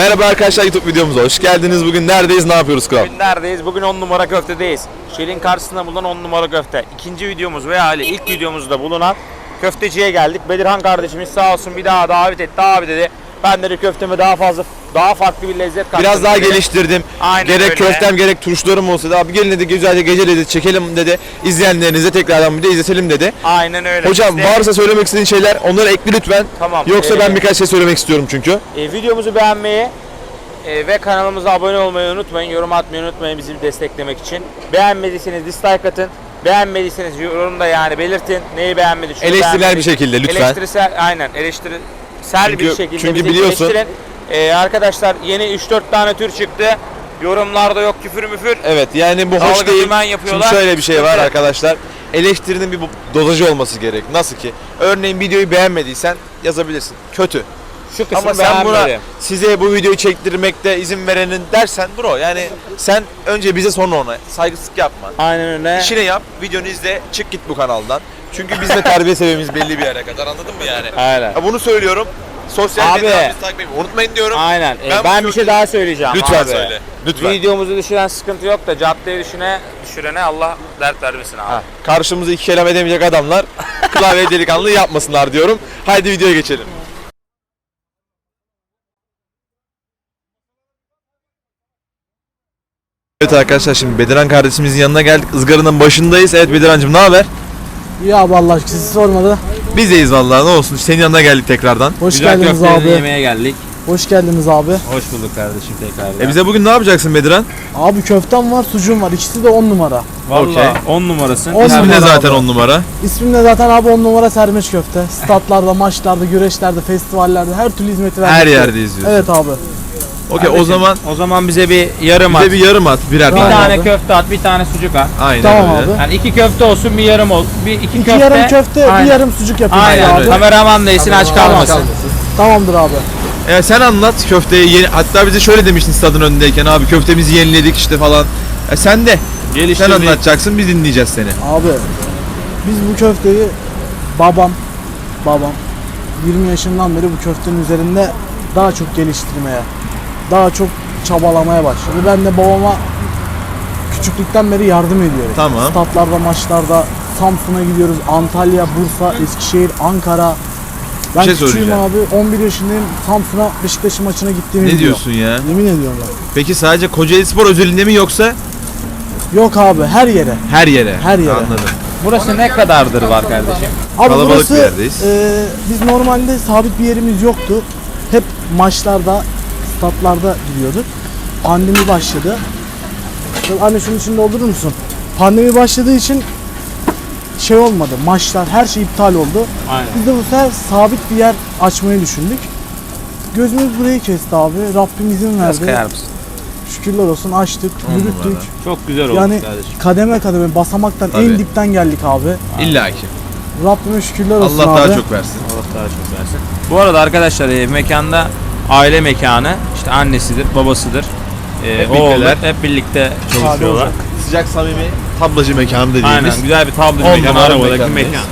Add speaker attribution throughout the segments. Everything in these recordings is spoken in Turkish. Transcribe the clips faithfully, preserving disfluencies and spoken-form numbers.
Speaker 1: Merhaba arkadaşlar, YouTube videomuza hoş geldiniz. Bugün neredeyiz, ne yapıyoruz kral?
Speaker 2: Bugün neredeyiz? Bugün on numara köftedeyiz. Şelin karşısında bulunan on numara köfte. İkinci videomuz veya hali ilk videomuzda bulunan köfteciye geldik. Bedirhan kardeşimiz sağ olsun bir daha davet etti. Abi dedi, ben dedi köfteme daha fazla, daha farklı bir lezzet kattım.
Speaker 1: Biraz daha
Speaker 2: dedi.
Speaker 1: geliştirdim.
Speaker 2: Aynen
Speaker 1: gerek
Speaker 2: öyle.
Speaker 1: köftem gerek turşularım olsa da abi gelin dedi, güzelce gece dedi çekelim dedi. İzleyenlerinize tekrardan bir de izletelim dedi.
Speaker 2: Aynen öyle.
Speaker 1: Hocam
Speaker 2: İşte,
Speaker 1: varsa söylemek istediğin şeyler onları ekle lütfen.
Speaker 2: Tamam.
Speaker 1: Yoksa
Speaker 2: Ee,
Speaker 1: ben birkaç şey söylemek istiyorum çünkü.
Speaker 2: E, videomuzu beğenmeyi e, ve kanalımıza abone olmayı unutmayın. Yorum atmayı unutmayın bizi desteklemek için. Beğenmediyseniz dislike atın. Beğenmediyseniz yorumda yani belirtin. Neyi beğenmedi? şunu
Speaker 1: Eleştirel
Speaker 2: beğenmedi.
Speaker 1: bir şekilde lütfen.
Speaker 2: Eleştirisel, aynen eleştirisel
Speaker 1: Çünkü-
Speaker 2: bir şekilde
Speaker 1: çünkü
Speaker 2: bizi
Speaker 1: biliyorsun-
Speaker 2: eleştirin. E, arkadaşlar yeni üç dört tane tür çıktı. Yorumlarda yok küfür müfür.
Speaker 1: Evet, yani bu hoş
Speaker 2: Dalga
Speaker 1: değil.
Speaker 2: dümen
Speaker 1: Şimdi
Speaker 2: yapıyorlar.
Speaker 1: şöyle bir şey var
Speaker 2: Evet.
Speaker 1: arkadaşlar. Eleştirinin bir dozajı olması gerek. Nasıl ki? Örneğin videoyu beğenmediysen yazabilirsin. Kötü.
Speaker 2: Şu kısmı
Speaker 1: Ama sen buna
Speaker 2: beğenmedim.
Speaker 1: size bu videoyu çektirmekte izin verenin dersen bro, yani sen önce bize sonra ona saygısızlık yapma.
Speaker 2: Aynen öyle.
Speaker 1: İşini yap, videonu izle, çık git bu kanaldan. Çünkü biz de terbiye seviyemiz belli bir yere kadar, anladın mı yani?
Speaker 2: Aynen.
Speaker 1: Ya bunu söylüyorum. Sosyal
Speaker 2: Abi.
Speaker 1: medyayı takip etmeyi unutmayın diyorum.
Speaker 2: Aynen. E,
Speaker 1: Ben
Speaker 2: ben,
Speaker 1: bu
Speaker 2: bir şey
Speaker 1: videoyu-
Speaker 2: daha söyleyeceğim.
Speaker 1: Lütfen
Speaker 2: abi.
Speaker 1: söyle. Lütfen.
Speaker 2: Videomuzu düşüren sıkıntı yok da caddeye düşüne, düşürene Allah dert vermesin abi.
Speaker 1: Ha, karşımıza iki kelam edemeyecek adamlar klavye delikanlı yapmasınlar diyorum. Haydi videoya geçelim. Evet arkadaşlar, şimdi Bedirhan kardeşimizin yanına geldik. Izgaranın başındayız. Evet Bedirhancığım, ne haber?
Speaker 3: İyi abi Allah aşkına sizi sormadı.
Speaker 1: Biz deyiz vallahi, ne olsun. Senin yanına geldik tekrardan.
Speaker 3: Hoş
Speaker 2: Güzel
Speaker 3: geldiniz
Speaker 2: köftelerini
Speaker 3: abi.
Speaker 2: yemeye geldik.
Speaker 3: Hoş geldiniz abi.
Speaker 2: Hoş bulduk kardeşim tekrar.
Speaker 1: E bize bugün ne yapacaksın Bedirhan?
Speaker 3: Abi köftem var, sucuğum var. İkisi de on numara.
Speaker 2: Valla
Speaker 1: Okey.
Speaker 2: on numarasın.
Speaker 3: On
Speaker 1: İsmi de
Speaker 3: numara
Speaker 1: zaten
Speaker 3: abi.
Speaker 1: on numara.
Speaker 3: İsmim de zaten abi on numara sermiş köfte. Statlarda, maçlarda, güreşlerde, festivallerde her türlü hizmeti vermek.
Speaker 1: Her yerde izliyorsun.
Speaker 3: Evet abi.
Speaker 1: Okey, o zaman
Speaker 2: O zaman bize bir yarım at.
Speaker 1: bize bir yarım at, birer
Speaker 2: Bir
Speaker 3: Tamam
Speaker 1: tane.
Speaker 2: tane
Speaker 3: abi.
Speaker 2: köfte at, bir tane sucuk at.
Speaker 1: Aynen
Speaker 3: Tamam
Speaker 1: öyle.
Speaker 3: abi.
Speaker 2: Yani iki köfte olsun, bir yarım ol. Bir iki,
Speaker 3: İki
Speaker 2: köfte.
Speaker 3: yarım köfte,
Speaker 2: Aynen.
Speaker 3: bir yarım sucuk yapayım
Speaker 2: Aynen.
Speaker 3: abi.
Speaker 2: Kameraman değilsin, aç kalmasın.
Speaker 3: Tamamdır abi.
Speaker 1: E, sen anlat köfteyi. Yeni, hatta bize şöyle demiştin stadın önündeyken, abi köftemizi yeniledik işte falan. E, sen de. Sen
Speaker 2: Geliştirdik.
Speaker 1: anlatacaksın, biz dinleyeceğiz seni.
Speaker 3: Abi biz bu köfteyi babam, babam yirmi yaşından beri bu köftenin üzerinde daha çok geliştirmeye, daha çok çabalamaya başladı. Ben de babama küçüklükten beri yardım ediyorum.
Speaker 1: Tamam.
Speaker 3: Statlarda, maçlarda Samsun'a gidiyoruz. Antalya, Bursa, Eskişehir, Ankara. Ben
Speaker 1: şey
Speaker 3: küçüğüm
Speaker 1: söyleyeceğim.
Speaker 3: abi. on bir yaşındayım. Samsun'a Beşiktaş'ın maçına gittiğimi
Speaker 1: Ne
Speaker 3: biliyor.
Speaker 1: diyorsun ya?
Speaker 3: Yemin ediyorum ben.
Speaker 1: Peki sadece Kocaeli Spor özelinde mi yoksa
Speaker 3: Yok abi, her yere.
Speaker 1: her yere?
Speaker 3: Her yere.
Speaker 1: Anladım.
Speaker 2: Burası ne kadardır var kardeşim?
Speaker 3: Abi
Speaker 1: Kalabalık
Speaker 3: burası,
Speaker 1: bir yerdeyiz.
Speaker 3: e, biz normalde sabit bir yerimiz yoktu. Hep maçlarda, statlarda gidiyorduk. Pandemi başladı. Anne şunun içinde doldurur musun? Pandemi başladığı için şey olmadı. Maçlar, her şey iptal oldu.
Speaker 2: Aynen.
Speaker 3: Biz de bu sefer sabit bir yer açmayı düşündük. Gözümüz burayı kesti abi. Rabbim izin
Speaker 2: Biraz
Speaker 3: verdi.
Speaker 2: kayar mısın?
Speaker 3: Şükürler olsun açtık,
Speaker 1: On
Speaker 3: yürüttük.
Speaker 1: numara.
Speaker 2: Çok güzel oldu
Speaker 3: Yani
Speaker 2: kardeşim.
Speaker 3: kademe kademe basamaktan
Speaker 1: Tabii.
Speaker 3: en dipten geldik abi.
Speaker 1: İlla ki.
Speaker 3: Rabbime şükürler olsun
Speaker 1: Allah
Speaker 3: abi.
Speaker 1: daha çok versin.
Speaker 2: Allah daha çok versin. Bu arada arkadaşlar e, mekanda aile mekanı, işte annesidir, babasıdır. E,
Speaker 1: Hep
Speaker 2: oğlu,
Speaker 1: birlikteler.
Speaker 2: hep birlikte çalışıyorlar.
Speaker 3: olacak.
Speaker 1: Sıcak samimi tablacı mekanı dediğimiz.
Speaker 2: Aynen, güzel bir tablo
Speaker 1: On
Speaker 2: mekanı,
Speaker 1: numara
Speaker 2: arabadaki
Speaker 1: mekandayız.
Speaker 2: mekan.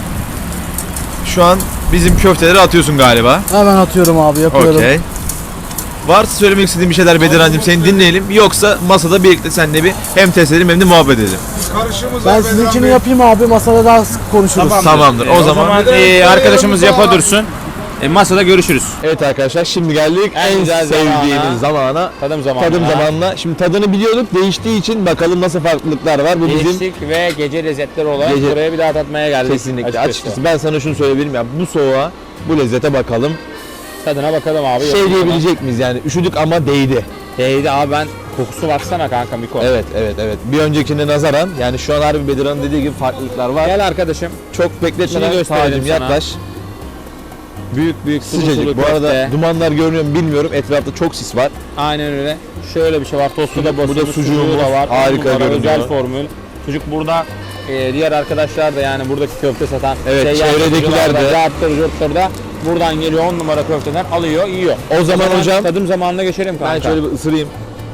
Speaker 1: Şu an bizim köfteleri atıyorsun galiba.
Speaker 3: Hemen atıyorum abi, yapıyorum.
Speaker 1: Okey. Varsa söylemek istediğin bir şeyler Bedirhancığım, seni dinleyelim. Yoksa masada birlikte seninle bir hem test edelim hem de muhabbet edelim.
Speaker 3: Ben sizinkini yapayım abi, masada daha sık konuşuruz.
Speaker 1: Tamamdır.
Speaker 2: E,
Speaker 1: O zaman
Speaker 2: e, arkadaşımız yapa dursun. E, masada görüşürüz.
Speaker 1: evet arkadaşlar, şimdi geldik
Speaker 2: En
Speaker 1: en,
Speaker 2: güzel
Speaker 1: sevdiğimiz zamana.
Speaker 2: Tadım zamanı.
Speaker 1: Tadım zamanına. Şimdi tadını biliyorduk, değiştiği için bakalım nasıl farklılıklar var. Bu bizim
Speaker 2: Değiştik ve gece lezzetleri olarak
Speaker 1: Gece-
Speaker 2: buraya bir daha tatmaya geldik.
Speaker 1: kesinlikle. Açıkçası ben sana şunu söyleyebilirim ya, bu soğuğa, bu lezzete bakalım.
Speaker 2: Tadına bakalım abi.
Speaker 1: Şey
Speaker 2: Yapalım.
Speaker 1: diyebilecek miyiz yani, üşüdük ama değdi.
Speaker 2: Değdi abi, ben kokusu baksana kanka Miko.
Speaker 1: Evet evet evet. Bir öncekine nazaran yani şu an harbi Bedirhan'ın dediği gibi farklılıklar var.
Speaker 2: Gel arkadaşım.
Speaker 1: Çok bekletmeden
Speaker 2: İçini gösterelim
Speaker 1: Tacım
Speaker 2: sana.
Speaker 1: yaklaş.
Speaker 2: Büyük büyük sulu
Speaker 1: Sıcacık.
Speaker 2: sulu
Speaker 1: Bu arada
Speaker 2: köfte.
Speaker 1: dumanlar görünüyor mu bilmiyorum. Etrafta çok sis var.
Speaker 2: Aynen öyle. Şöyle bir şey var. Tostu da
Speaker 1: Bu da
Speaker 2: basılmış,
Speaker 1: sucuğumuz.
Speaker 2: sucuğu da var.
Speaker 1: Harika
Speaker 2: On numara,
Speaker 1: görünüyor.
Speaker 2: Özel formül. Sucuk burada. e, diğer arkadaşlar da yani buradaki köfte satan
Speaker 1: Evet,
Speaker 2: seyyar
Speaker 1: çevredekiler de.
Speaker 2: Carttır, curttur da buradan geliyor on numara köfteden alıyor, yiyor.
Speaker 1: O zaman hocam
Speaker 2: tadım zamanına geçelim kanka.
Speaker 1: ben şöyle bir ısırayım.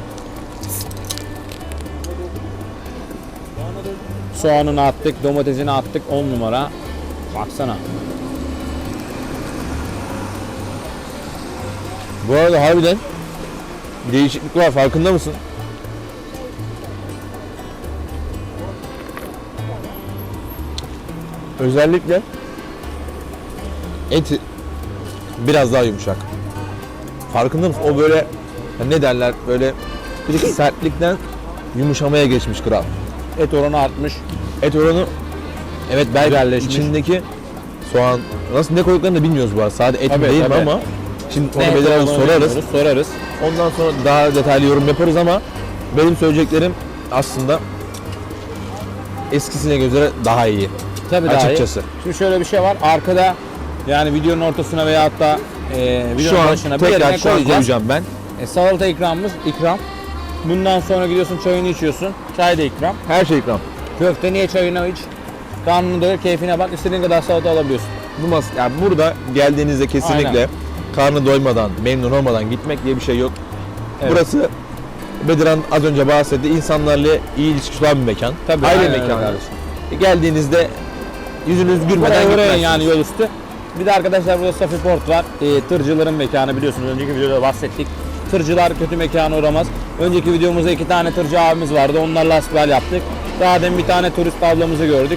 Speaker 2: Soğanını attık, domatesini attık on numara. Baksana.
Speaker 1: Bu arada harbiden Bir değişiklik var, farkında mısın? Özellikle eti biraz daha yumuşak. Farkında mısın? O böyle ne derler, böyle bir sertlikten yumuşamaya geçmiş kral.
Speaker 2: Et oranı artmış.
Speaker 1: Et oranı, evet, belki
Speaker 2: Güzelleşmiş.
Speaker 1: içindeki soğan nasıl, ne koyduklarını da bilmiyoruz bu arada. Sadece et mi
Speaker 2: Tabii,
Speaker 1: değil mi
Speaker 2: tabii.
Speaker 1: ama şimdi onu
Speaker 2: Ne
Speaker 1: Bedir abi
Speaker 2: olduğunu
Speaker 1: sorarız.
Speaker 2: bilmiyoruz, sorarız.
Speaker 1: Ondan sonra daha detaylı yorum yaparız ama benim söyleyeceklerim aslında eskisine göre daha iyi.
Speaker 2: Tabii daha iyi.
Speaker 1: Açıkçası.
Speaker 2: Şimdi şöyle bir şey var. Arkada yani videonun ortasına veya hatta e,
Speaker 1: Şu
Speaker 2: videonun
Speaker 1: an
Speaker 2: başına bir
Speaker 1: tekrar
Speaker 2: yerine
Speaker 1: şu an
Speaker 2: koyacağız.
Speaker 1: koyacağım ben.
Speaker 2: E, salata ikramımız ikram. Bundan sonra gidiyorsun çayını içiyorsun. Çay da ikram.
Speaker 1: Her şey ikram.
Speaker 2: Köfte niye çayını iç. Karnını doyur, keyfine bak. İstediğin kadar salata alabiliyorsun.
Speaker 1: Bu mas yani burada geldiğinizde kesinlikle
Speaker 2: Aynen.
Speaker 1: karnı doymadan, memnun olmadan gitmek diye bir şey yok.
Speaker 2: Evet.
Speaker 1: Burası Bedirhan az önce bahsetti. İnsanlarla iyi ilişkisi olan bir mekan.
Speaker 2: Tabii,
Speaker 1: Aile
Speaker 2: aynen öyle
Speaker 1: mekanı.
Speaker 2: kardeşim.
Speaker 1: E, Geldiğinizde yüzünüz gülmeden
Speaker 2: Buraya uğrayın
Speaker 1: gitmezsiniz.
Speaker 2: yani yol üstü. Bir de arkadaşlar burada Safi Port var. E, tırcıların mekanı, biliyorsunuz önceki videoda bahsettik. Tırcılar kötü mekana uğramaz. Önceki videomuzda iki tane tırcı abimiz vardı. Onlarla hasbihal yaptık. Daha demin bir tane turist ablamızı gördük.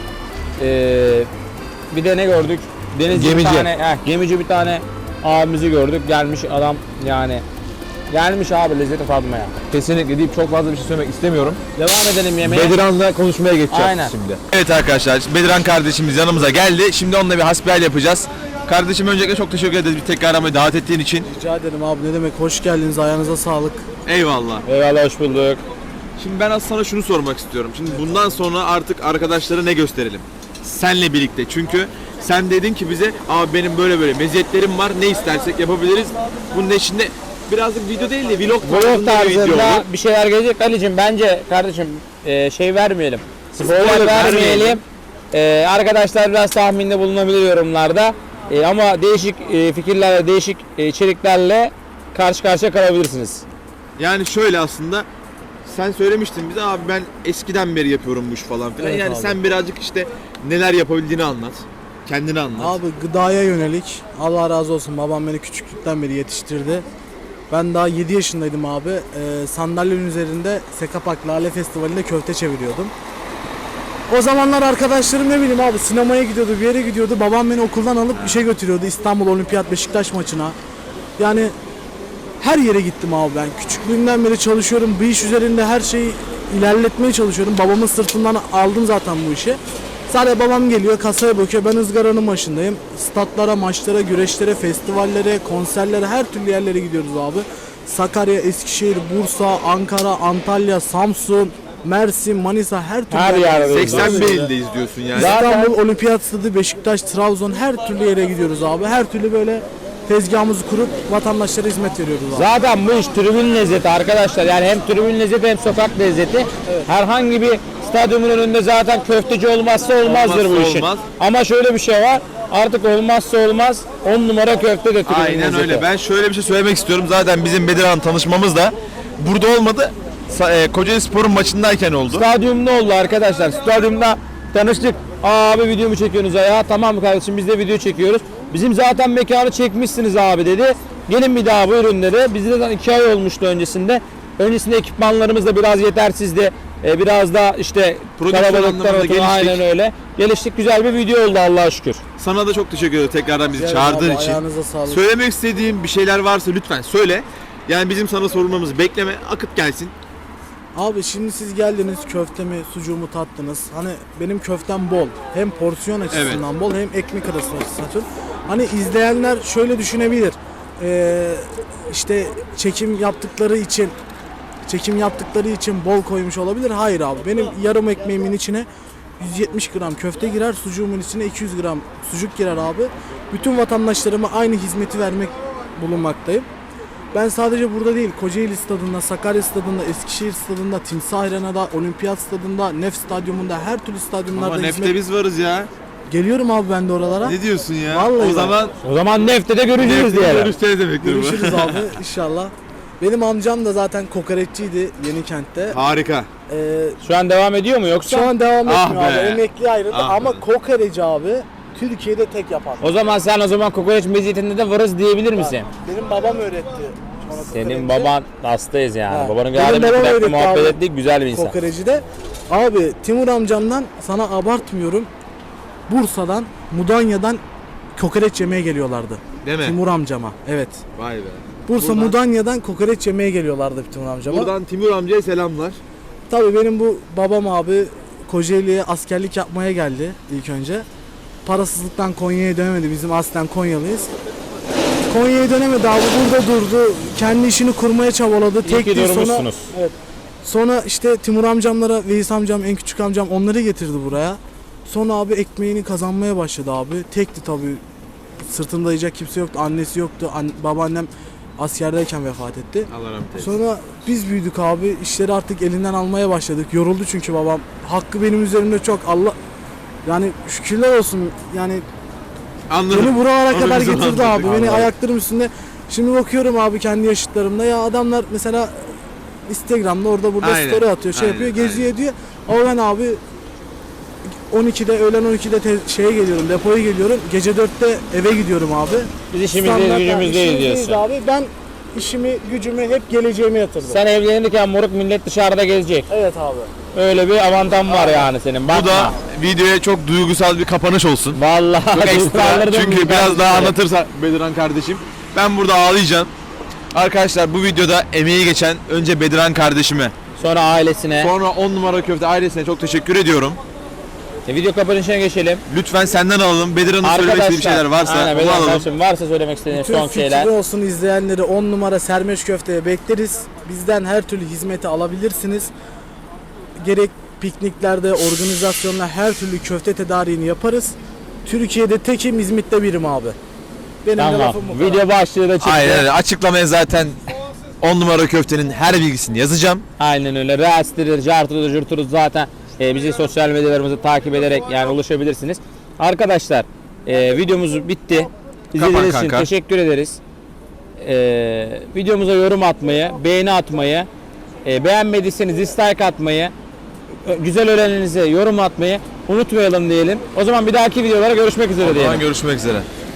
Speaker 2: E, bir de ne gördük? Denizci
Speaker 1: Gemici.
Speaker 2: bir tane, heh, gemici bir tane abimizi gördük. Gelmiş adam yani. Gelmiş abi lezzeti tatmaya.
Speaker 1: Kesinlikle deyip çok fazla bir şey söylemek istemiyorum.
Speaker 2: Devam edelim yemeğe.
Speaker 1: Bedirhan'la konuşmaya geçeceğiz
Speaker 2: Aynen.
Speaker 1: şimdi. Evet arkadaşlar, Bedirhan kardeşimiz yanımıza geldi. Şimdi onunla bir hasbihal yapacağız. Kardeşim öncelikle çok teşekkür ederiz bir tekrar aramayı davet ettiğin için.
Speaker 3: Rica ederim abi, ne demek, hoş geldiniz, ayağınıza sağlık.
Speaker 1: Eyvallah.
Speaker 2: Eyvallah, hoş bulduk.
Speaker 1: Şimdi ben aslında sana şunu sormak istiyorum. Şimdi bundan sonra artık arkadaşlara ne gösterelim? Senle birlikte. Çünkü sen dedin ki bize, abi benim böyle böyle meziyetlerim var, ne istersek yapabiliriz. Bunun içinde birazcık video değil de vlog
Speaker 2: Vlog
Speaker 1: tarzında bir video
Speaker 2: tarzında
Speaker 1: olur.
Speaker 2: bir şeyler gelecek. Ali'cim bence kardeşim e, şey vermeyelim. Spoiler
Speaker 1: Spoiler
Speaker 2: vermeyelim.
Speaker 1: vermeyelim.
Speaker 2: E, arkadaşlar biraz tahminde bulunabilir yorumlarda. E, ama değişik e, fikirlerle, değişik e, içeriklerle karşı karşıya kalabilirsiniz.
Speaker 1: Yani şöyle aslında sen söylemiştin bize, abi ben eskiden beri yapıyorum bu iş falan filan.
Speaker 3: Evet
Speaker 1: yani
Speaker 3: abi.
Speaker 1: sen birazcık işte neler yapabildiğini anlat. Kendini anlat.
Speaker 3: Abi gıdaya yönelik, Allah razı olsun, babam beni küçüklükten beri yetiştirdi. Ben daha yedi yaşındaydım abi. Ee, sandalyenin üzerinde Sekapak Lale Festivali'nde köfte çeviriyordum. O zamanlar arkadaşlarım ne bileyim abi, sinemaya gidiyordu, bir yere gidiyordu. Babam beni okuldan alıp bir şey götürüyordu. İstanbul Olimpiyat Beşiktaş maçına. Yani her yere gittim abi ben. Küçüklüğümden beri çalışıyorum. Bu iş üzerinde her şeyi ilerletmeye çalışıyorum. Babamın sırtından aldım zaten bu işi. Sadece babam geliyor, kasaya bakıyor. Ben ızgaranın başındayım. Statlara, maçlara, güreşlere, festivallere, konserlere, her türlü yerlere gidiyoruz abi. Sakarya, Eskişehir, Bursa, Ankara, Antalya, Samsun, Mersin, Manisa, her türlü
Speaker 2: Her
Speaker 3: yerlere-
Speaker 2: yerde
Speaker 1: seksen bir ildeyiz diyorsun yani.
Speaker 2: Zaten-
Speaker 3: İstanbul Olimpiyat Stadı, Beşiktaş, Trabzon, her türlü yere gidiyoruz abi. Her türlü böyle tezgahımızı kurup vatandaşlara hizmet veriyoruz abi.
Speaker 2: Zaten bu iş tribün lezzeti arkadaşlar. Yani hem tribün lezzeti hem sokak lezzeti. Herhangi bir stadyumun önünde zaten köfteci olmazsa olmazdır
Speaker 1: Olmazsa
Speaker 2: bu işin.
Speaker 1: olmaz.
Speaker 2: Ama şöyle bir şey var. Artık olmazsa olmaz on numara köfte de tribün
Speaker 1: Aynen
Speaker 2: lezzeti.
Speaker 1: öyle. Ben şöyle bir şey söylemek istiyorum. Zaten bizim Bedirhan tanışmamız da burada olmadı. Sa- e, Kocaeli Spor'un maçındayken oldu.
Speaker 2: Stadyumda oldu arkadaşlar. Stadyumda tanıştık. Aa, abi video mu çekiyorsunuz ya? Tamam mı kardeşim, biz de video çekiyoruz. Bizim zaten mekanı çekmişsiniz abi dedi. Gelin bir daha buyurun dedi. Biz de zaten iki ay olmuştu öncesinde. Öncesinde ekipmanlarımız da biraz yetersizdi. Ee, biraz da işte
Speaker 1: Prodüksiyon
Speaker 2: kalabalıktan
Speaker 1: anlamında
Speaker 2: ötürü
Speaker 1: geliştik.
Speaker 2: aynen öyle. Geliştik, güzel bir video oldu Allah'a şükür.
Speaker 1: Sana da çok teşekkür ederim tekrardan bizi
Speaker 3: Rica
Speaker 1: çağırdığın
Speaker 3: ederim abi,
Speaker 1: için.
Speaker 3: ayağınıza sağlık.
Speaker 1: Söylemek istediğim bir şeyler varsa lütfen söyle. Yani bizim sana sorulmamızı bekleme, akıp gelsin.
Speaker 3: Abi şimdi siz geldiniz, köftemi, sucuğumu tattınız. Hani benim köftem bol. Hem porsiyon açısından bol, hem ekmek arası açısından. Hani izleyenler şöyle düşünebilir. Ee, işte çekim yaptıkları için çekim yaptıkları için bol koymuş olabilir. Hayır abi. Benim yarım ekmeğimin içine yüz yetmiş gram köfte girer, sucuğumun içine iki yüz gram sucuk girer abi. Bütün vatandaşlarıma aynı hizmeti vermek bulunmaktayım. Ben sadece burada değil, Kocaeli Stadı'nda, Sakarya Stadı'nda, Eskişehir Stadı'nda, Timsah Arena'da, Olimpiyat Stadı'nda, Nef Stadyumunda, her türlü stadyumlarda
Speaker 1: Ama
Speaker 3: hizmet...
Speaker 1: nefte biz varız ya.
Speaker 3: Geliyorum abi ben de oralara.
Speaker 1: Ne diyorsun ya?
Speaker 3: Vallahi
Speaker 1: o
Speaker 3: bak.
Speaker 1: zaman
Speaker 2: O zaman Nefte'de görüşürüz
Speaker 1: nefte
Speaker 2: diyelim.
Speaker 1: görüşeceğiz demektir bu.
Speaker 3: Görüşürüz abi inşallah. Benim amcam da zaten kokoreççiydi Yenikent'te.
Speaker 1: Harika.
Speaker 3: Ee,
Speaker 2: Şu an devam ediyor mu yoksa?
Speaker 3: şu an devam
Speaker 1: Ah
Speaker 3: etmiyor abi.
Speaker 1: be.
Speaker 3: Emekli ayrıldı
Speaker 1: Ah
Speaker 3: ama
Speaker 1: be.
Speaker 3: kokoreci abi Türkiye'de tek yapan.
Speaker 2: O zaman sen o zaman kokoreç meziyetinde de varız diyebilir misin?
Speaker 3: Benim babam öğretti bana
Speaker 2: Senin baban hastayız yani.
Speaker 3: Ha.
Speaker 2: Babanın
Speaker 3: Benim
Speaker 2: geldi bir
Speaker 3: babam
Speaker 2: dakika
Speaker 3: öyle
Speaker 2: muhabbet
Speaker 3: abi.
Speaker 2: ettik, güzel bir insan.
Speaker 3: Kokoreçide. Abi Timur amcamdan sana abartmıyorum. Bursa'dan, Mudanya'dan kokoreç yemeye geliyorlardı.
Speaker 1: Değil mi?
Speaker 3: Timur amcama. Evet.
Speaker 1: Vay be.
Speaker 3: Bursa
Speaker 1: Buradan-
Speaker 3: Mudanya'dan kokoreç yemeye geliyorlardı Timur amcama.
Speaker 1: Buradan Timur amcaya selamlar.
Speaker 3: Tabii benim bu babam abi Kocaeli'ye askerlik yapmaya geldi ilk önce. Parasızlıktan Konya'ya dönemedi. Bizim aslen Konyalıyız. Konya'ya dönemedi abi, burada durdu. Kendi işini kurmaya çabaladı.
Speaker 2: İyi ki
Speaker 3: Tekti sonra.
Speaker 2: durmuşsunuz.
Speaker 3: Evet. Sonra işte Timur amcamlara, Veys amcam, en küçük amcam onları getirdi buraya. Sonra abi ekmeğini kazanmaya başladı abi. Tekti tabii. Sırtında yiyecek kimse yoktu. Annesi yoktu. An- babaannem askerdeyken vefat etti.
Speaker 1: Allah rahmet eylesin.
Speaker 3: Sonra biz büyüdük abi. İşleri artık elinden almaya başladık. Yoruldu çünkü babam. Hakkı benim üzerimde çok. Allah yani şükürler olsun. Yani
Speaker 1: Anladım.
Speaker 3: beni buralara
Speaker 1: Onu
Speaker 3: kadar
Speaker 1: bizim
Speaker 3: getirdi
Speaker 1: anladık.
Speaker 3: abi. Beni
Speaker 1: Anladım.
Speaker 3: ayaklarım üstünde. Şimdi bakıyorum abi kendi yaşıtlarımda, ya adamlar mesela Instagram'da orada burada
Speaker 1: Aynen,
Speaker 3: story atıyor, şey
Speaker 1: aynen,
Speaker 3: yapıyor, geziyor ediyor. Ama ben abi on ikide, öğlen on ikide te- şeye geliyorum, depoya geliyorum. Gece dörtte eve gidiyorum abi.
Speaker 2: Biz işimizdeyiz,
Speaker 3: Standart-
Speaker 2: gücümüzdeyiz
Speaker 3: işimizdeyiz
Speaker 2: diyorsun.
Speaker 3: abi. Ben işimi, gücümü hep geleceğime yatırdım.
Speaker 2: Sen evlenirken moruk millet dışarıda gezecek.
Speaker 3: Evet abi.
Speaker 2: Öyle bir avantam var yani senin. Bakma.
Speaker 1: Bu da videoya çok duygusal bir kapanış olsun.
Speaker 2: Vallahi
Speaker 1: Çok ekstra.
Speaker 2: duygulandırdın
Speaker 1: Çünkü
Speaker 2: bizi
Speaker 1: biraz
Speaker 2: kardeşim.
Speaker 1: daha anlatırsa Bediran kardeşim. Ben burada ağlayacağım. Arkadaşlar bu videoda emeği geçen önce Bediran kardeşime,
Speaker 2: Sonra ailesine.
Speaker 1: sonra on numara köfte ailesine çok teşekkür ediyorum.
Speaker 2: E, video kapanışına geçelim.
Speaker 1: Lütfen senden alalım. Bediran'ın söylemek istediği bir şeyler varsa
Speaker 2: aynen,
Speaker 1: onu
Speaker 2: Bediran
Speaker 1: alalım.
Speaker 2: kardeşim, varsa söylemek istediğin
Speaker 3: Tüm
Speaker 2: son
Speaker 3: fikri
Speaker 2: şeyler.
Speaker 3: olsun izleyenleri on numara Sermeş Köfte'ye bekleriz. Bizden her türlü hizmeti alabilirsiniz. Gerek pikniklerde, organizasyonla her türlü köfte tedariğini yaparız. Türkiye'de tekim, İzmit'te birim abi. Benim de
Speaker 2: Tamam.
Speaker 3: lafım bu kadar.
Speaker 2: Video başlığı da çıktı.
Speaker 1: Aynen öyle. Açıklamaya zaten on numara köftenin her bilgisini yazacağım.
Speaker 2: Aynen öyle. Reels'tir, cartıdır, jurturuz zaten. E, bizi sosyal medyalarımızı takip ederek yani ulaşabilirsiniz. Arkadaşlar e, videomuz bitti. İzlediğiniz için
Speaker 1: kanka.
Speaker 2: teşekkür ederiz. E, videomuza yorum atmayı, beğeni atmayı, e, beğenmediyseniz dislike atmayı, e, güzel öğreninize yorum atmayı unutmayalım diyelim. O zaman bir dahaki videolara görüşmek üzere
Speaker 1: O zaman
Speaker 2: diyelim.
Speaker 1: görüşmek üzere.